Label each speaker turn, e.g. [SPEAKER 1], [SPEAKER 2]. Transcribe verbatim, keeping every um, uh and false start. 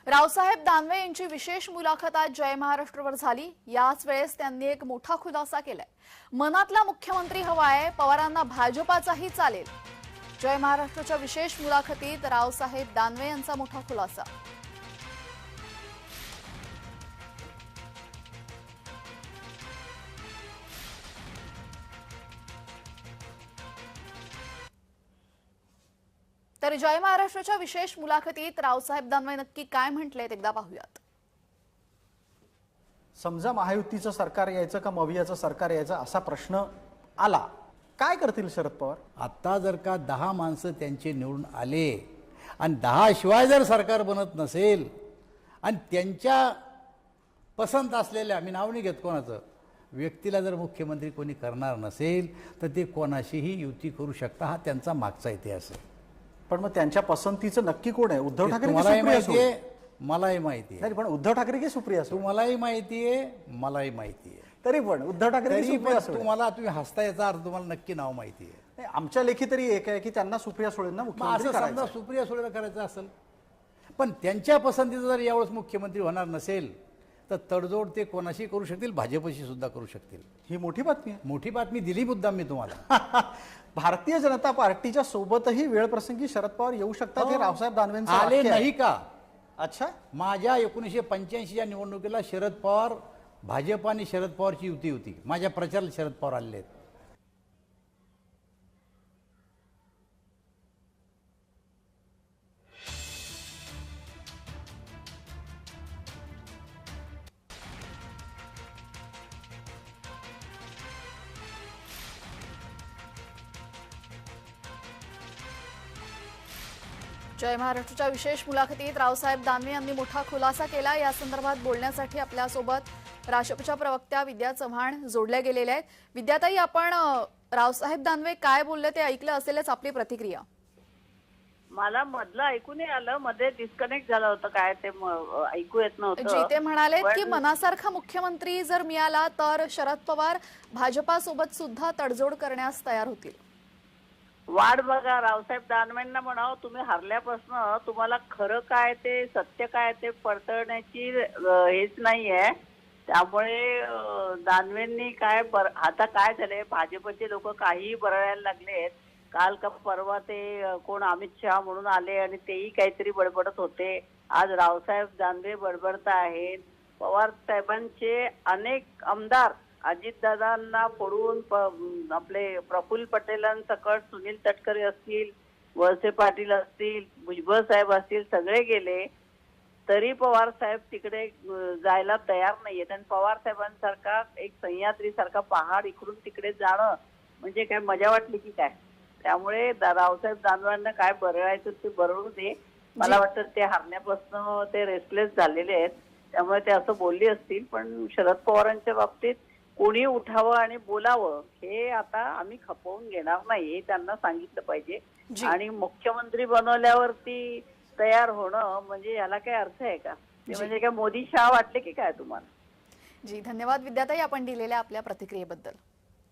[SPEAKER 1] रावसाहेब दानवे यांची विशेष मुलाखत आज जय महाराष्ट्रवर झाली। याच वेळेस त्यांनी एक मोठा खुलासा केलाय। मनातला मुख्यमंत्री हवाय, पवारांना भाजपाचाही चालेल। जय महाराष्ट्रच्या विशेष मुलाखतीत रावसाहेब दानवे यांचा मोठा खुलासा। तर जय महाराष्ट्रच्या विशेष मुलाखतीत रावसाहेब दानवे नक्की काय म्हटलेत एकदा पाहूयात।
[SPEAKER 2] समजा महायुतीचं सरकार यायचं का मवियाचं सरकार यायचं असा प्रश्न आला, काय करतील शरद पवार?
[SPEAKER 3] आता जर का दहा माणसं त्यांचे निवडून आले आणि दहा शिवाय जर सरकार बनत नसेल आणि त्यांच्या पसंत असलेल्या, मी नाव नाही घेत कोणाचं, व्यक्तीला जर मुख्यमंत्री कोणी करणार नसेल तर ते कोणाशीही युती करू शकता, हा त्यांचा मागचा इतिहास आहे।
[SPEAKER 2] पण मग त्यांच्या पसंतीचं नक्की कोण आहे? उद्धव ठाकरे की
[SPEAKER 3] मलाही
[SPEAKER 2] सुप्रिया
[SPEAKER 3] माहिती
[SPEAKER 2] सुळे?
[SPEAKER 3] आहे, मलाही माहिती आहे।
[SPEAKER 2] नाही पण उद्धव ठाकरे की सुप्रिया सुळे?
[SPEAKER 3] तुम्हालाही माहिती आहे, मलाही माहिती आहे।
[SPEAKER 2] तरी पण उद्धव ठाकरे की
[SPEAKER 3] तरी
[SPEAKER 2] सुप्रिया
[SPEAKER 3] पण
[SPEAKER 2] सुळे?
[SPEAKER 3] तुम्हाला, तुम्ही हसता, याचा अर्थ तुम्हाला नक्की नाव माहिती आहे।
[SPEAKER 2] नाही, आमच्या लेखी तरी एक आहे की त्यांना सुप्रिया सुळेंना
[SPEAKER 3] मग
[SPEAKER 2] मुख्यमंत्री
[SPEAKER 3] असं समजा
[SPEAKER 2] करायचं।
[SPEAKER 3] सुप्रिया सुळेला करायचं असेल, पण त्यांच्या पसंतीचं जर यावेळेस मुख्यमंत्री होणार नसेल तर तडजोड ते कोणाशी करू शकतील, भाजपशी सुद्धा करू शकतील।
[SPEAKER 2] ही मोठी बातमी आहे।
[SPEAKER 3] मोठी बातमी दिली मुद्दाम मी तुम्हाला।
[SPEAKER 2] भारतीय जनता पार्टीच्या सोबतही वेळ प्रसंगी शरद पवार येऊ शकतात हे रावसाहेब दानवेंचं
[SPEAKER 3] आले
[SPEAKER 2] वाक्य आहे।
[SPEAKER 3] नाही का?
[SPEAKER 2] अच्छा,
[SPEAKER 3] माझ्या एकोणीसशे पंच्याऐंशीच्या निवडणुकीला शरद पवार, भाजप आणि शरद पवारची युती होती। माझ्या प्रचाराला शरद पवार आलेले आहेत।
[SPEAKER 1] जय महाराष्ट्रच्या विशेष मुलाखतीत रावसाहेब दानवे यांनी मोठा खुलासा केला। या संदर्भात बोलण्यासाठी आपल्यासोबत राष्ट्रपतीच्या प्रवक्त्या विद्या चव्हाण जोडल्या गेलेल्या आहेत। विद्याताई, आपण अ, रावसाहेब दानवे काय बोलले ते ऐकलं असेलच, आपली प्रतिक्रिया?
[SPEAKER 4] मला मधलं ऐकू नाही आलं, मध्ये डिस्कनेक्ट झालं होतं, काय ते म- ऐकू येत नव्हतं।
[SPEAKER 1] जी, ते म्हणाले की
[SPEAKER 4] पण-
[SPEAKER 1] मनासारखा मुख्यमंत्री जर मिळाला तर शरद पवार भाजपासोबत सुद्धा तडजोड करण्यास तयार होतील।
[SPEAKER 4] वाट बघा, रावसाहेब दानवेंना म्हणावं, तुम्ही हरल्यापासून तुम्हाला खरं काय ते, सत्य काय ते पडतळण्याची अं, हेच नाहीये। त्यामुळे अं, दानवेंनी काय बर आता काय झालंय, भाजपचे लोक काहीही बरळायला लागलेत। काल का परवा ते अं, कोण अमित शहा म्हणून आले आणि तेही काहीतरी बडबडत होते। आज रावसाहेब दानवे बडबडत आहेत। पवार साहेबांचे अनेक आमदार अजितदादांना पडून प- आपले प्रफुल्ल पटेलांसकट सुनील तटकरे असतील, वळसे पाटील असतील, भुजबळ साहेब असतील, सगळे गेले तरी पवार साहेब तिकडे अं, जायला तयार नाहीयेत। आणि पवार साहेबांसारखा एक सह्याद्री सारखा पहाड इकडून तिकडे जाणं म्हणजे काय मजा वाटली की काय? त्यामुळे दा- रावसाहेब दानवांना काय बरळायचं ते बरळू दे। मला वाटतं ते हरण्यापासून ते रेस्टलेस झालेले आहेत, त्यामुळे ते असं बोलली असतील। पण शरद पवारांच्या बाबतीत कोणी उठावं आणि बोलावं हे आता आम्ही खपवून घेणार नाही, हे त्यांना सांगितलं पाहिजे।
[SPEAKER 1] जी.
[SPEAKER 4] आणि मुख्यमंत्री बनवल्यावरती तयार होणं म्हणजे याला काय अर्थ आहे का? ते म्हणजे काय मोदी शहा वाटले की काय तुम्हाला?
[SPEAKER 1] जी, धन्यवाद विद्याताई, आपण दिलेल्या आपल्या प्रतिक्रियेबद्दल।